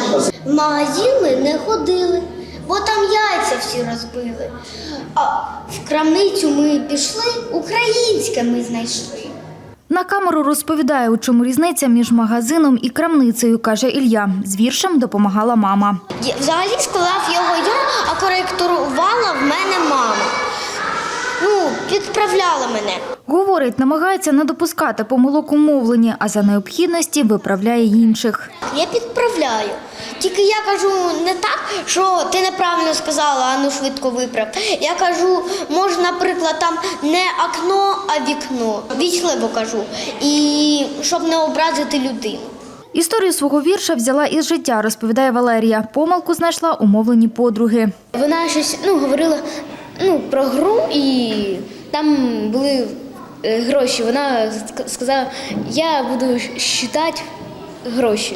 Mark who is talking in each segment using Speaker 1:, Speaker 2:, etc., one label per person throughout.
Speaker 1: В магазин ми не ходили, бо там яйця всі розбили. А в крамницю ми пішли, українське ми знайшли.
Speaker 2: На камеру розповідає, у чому різниця між магазином і крамницею, каже Ілля. З віршем допомагала мама.
Speaker 1: Взагалі склав його я, а коректувала в мене мама. Підправляла мене.
Speaker 2: Говорить, намагається не допускати помилок у мовленні, а за необхідності виправляє інших.
Speaker 1: Я підправляю. Тільки я кажу не так, що ти неправильно сказала, а ну швидко виправ. Я кажу, може, наприклад, там не окно, а вікно. Вічливо кажу. І щоб не образити людину.
Speaker 2: Історію свого вірша взяла із життя, розповідає Валерія. Помилку знайшла у мовленні подруги.
Speaker 1: Вона щось говорила про гру, і там були гроші. Вона сказала, я буду считати гроші.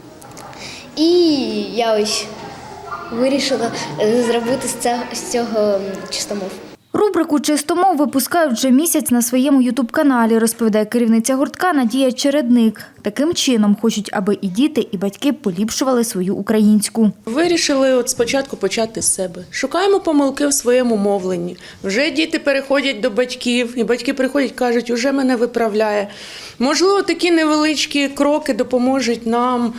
Speaker 1: І я ось вирішила зробити з цього чистомов.
Speaker 2: Рубрику «Чистомов» випускають вже місяць на своєму ютуб-каналі, розповідає керівниця гуртка Надія Чередник. Таким чином хочуть, аби і діти, і батьки поліпшували свою українську.
Speaker 3: Вирішили спочатку почати з себе. Шукаємо помилки в своєму мовленні. Вже діти переходять до батьків, і батьки приходять, кажуть, уже мене виправляє. Можливо, такі невеличкі кроки допоможуть нам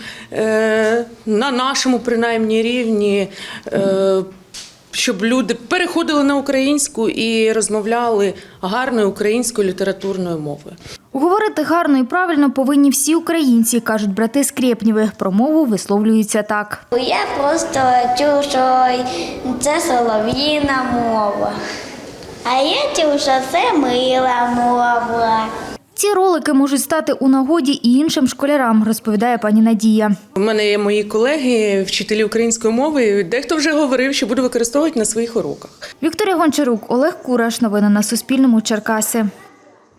Speaker 3: на нашому, принаймні, рівні, щоб люди переходили на українську і розмовляли гарною українською літературною мовою.
Speaker 2: Говорити гарно і правильно повинні всі українці, кажуть брати Скрєпнєви. Про мову висловлюються так.
Speaker 1: Я просто чув, що це солов'їна мова. А я чув, що це мила мова.
Speaker 2: Ці ролики можуть стати у нагоді і іншим школярам, розповідає пані Надія.
Speaker 3: У мене є мої колеги, вчителі української мови. Дехто вже говорив, що буду використовувати на своїх уроках.
Speaker 2: Вікторія Гончарук, Олег Кураш. Новини на Суспільному. Черкаси.